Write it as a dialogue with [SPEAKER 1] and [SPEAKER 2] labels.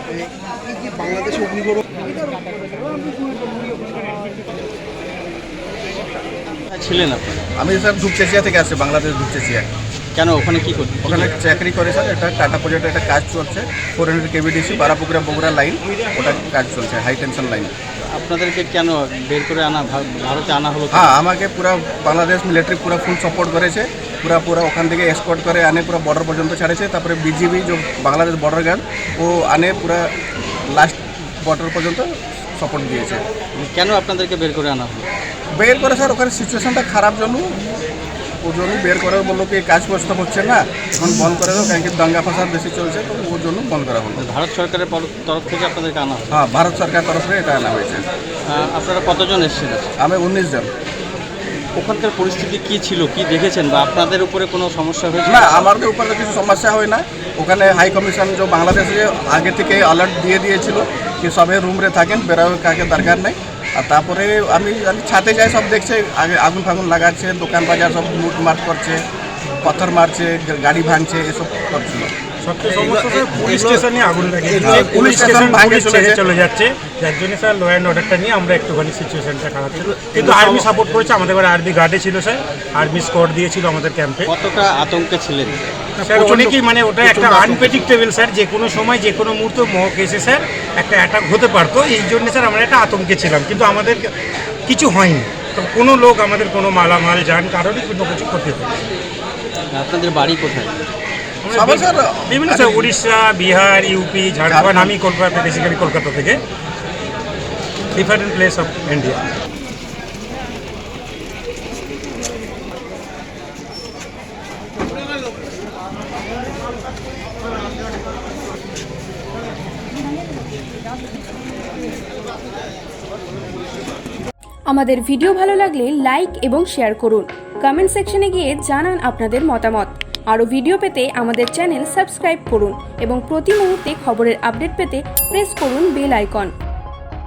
[SPEAKER 1] বাংলাদেশে অগ্নিগড়
[SPEAKER 2] ছিলেন আপনারা?
[SPEAKER 3] আমি স্যার ধূপচেচিয়া থেকে আসছি, বাংলাদেশ ধূপচেচিয়া।
[SPEAKER 2] কেন ওখানে কি করতেন?
[SPEAKER 3] ওখানে চাকরি করে স্যার, একটা টাটা প্রজেক্টের একটা কাজ চলছে, 400 কেবিডিসি বারাপুকুরা বগুড়া লাইন, ওটা কাজ চলছে, হাই টেনশন লাইন।
[SPEAKER 2] আপনাদেরকে কেন বের করে আনা, ভারতে আনা হলো?
[SPEAKER 3] হ্যাঁ, আমাকে পুরো বাংলাদেশ মিলিটারি পুরো ফুল সাপোর্ট করেছে, পুরা ওখান থেকে এসকর্ট করে আনে পুরো বর্ডার পর্যন্ত ছাড়েছে। তারপরে বিজিবি যে বাংলাদেশ বর্ডার গার্ড, ও আনে পুরো লাস্ট বর্ডার পর্যন্ত সাপোর্ট দিয়েছে।
[SPEAKER 2] কেন আপনাদেরকে বের করে আনা হলো?
[SPEAKER 3] বের করে স্যার ওখানে সিচুয়েশনটা খারাপ জন্য, ওর জন্য বের করে বললো কি কাজ প্রস্তাব হচ্ছে না, এখন বন্ধ করে দাও, কারণ কি দাঙ্গা ফাসাদ বেশি চলছে, তো ওর জন্য বন্ধ করা হলো।
[SPEAKER 2] ভারত সরকারের তরফ থেকে আপনাদেরকে আনা হলো?
[SPEAKER 3] হ্যাঁ, ভারত সরকার তরফে এটা আনা হয়েছে।
[SPEAKER 2] আপনারা কতজন এসেছিলেন?
[SPEAKER 3] আমি 19 জন।
[SPEAKER 2] ওখানকার পরিস্থিতি কি ছিল, কি দেখেছেন, বা আপনাদের উপরে কোনো সমস্যা হয়েছে?
[SPEAKER 3] না, আমাদের উপরে কিছু সমস্যা হয় না। ওখানে হাই কমিশন যে বাংলাদেশে আগে থেকে অ্যালার্ট দিয়ে দিয়েছিল কি সবে রুমরে থাকেন, বেরোয় কাকে দরকার নেই। আর তারপরে আমি ছাদে যাই, সব দেখছে আগে আগুন ফাগুন লাগাচ্ছে, দোকান বাজার সব লুটমাট করছে, পাথর মারছে, গাড়ি ভাঙছে, এসব করছিল।
[SPEAKER 4] পুলিশ স্টেশনে আগুন লাগিয়েছে,
[SPEAKER 3] পুলিশ স্টেশন ভাঙে
[SPEAKER 4] চলে যাচ্ছে, যার জন্য স্যার ল অ্যান্ড অর্ডারটা নিয়ে আমরা একটুখানি সিচুয়েশনটা খারাপ ছিল। কিন্তু আর্মি সাপোর্ট করেছে, আমাদের ঘরে আর্মি গার্ডে ছিল স্যার, আর্মি স্কোয়াড দিয়েছিল আমাদের ক্যাম্পে।
[SPEAKER 2] কতটা আতঙ্কে ছিলেন
[SPEAKER 4] স্যার? অনেকেই, মানে ওটা একটা আনপ্রেডিক্টেবল স্যার, যে কোনো সময় যে কোনো মুহূর্তে মহক এসে স্যার একটা অ্যাটাক হতে পারতো, এই জন্য স্যার আমরা একটা আতঙ্কে ছিলাম। কিন্তু আমাদের কিছু হয়নি, তো কোনো লোক আমাদের কোনো মালামাল যান কারোরই কোনো কিছু ক্ষতি হয়নি।
[SPEAKER 2] আপনাদের বাড়ি কোথায়?
[SPEAKER 4] বিভিন্ন স্যার, উড়িষ্যা, বিহার, ইউপি, ঝাড়খণ্ড। আমি কলকাতা, বেসিক্যালি কলকাতা থেকে, ডিফারেন্ট প্লেস অফ ইন্ডিয়া।
[SPEAKER 5] আমাদের ভিডিও ভালো লাগলে লাইক এবং শেয়ার করুন। কমেন্ট সেকশনে গিয়ে জানান আপনাদের মতামত। আরও ভিডিও পেতে আমাদের চ্যানেল সাবস্ক্রাইব করুন এবং প্রতি মুহূর্তে খবরের আপডেট পেতে প্রেস করুন বেল আইকন।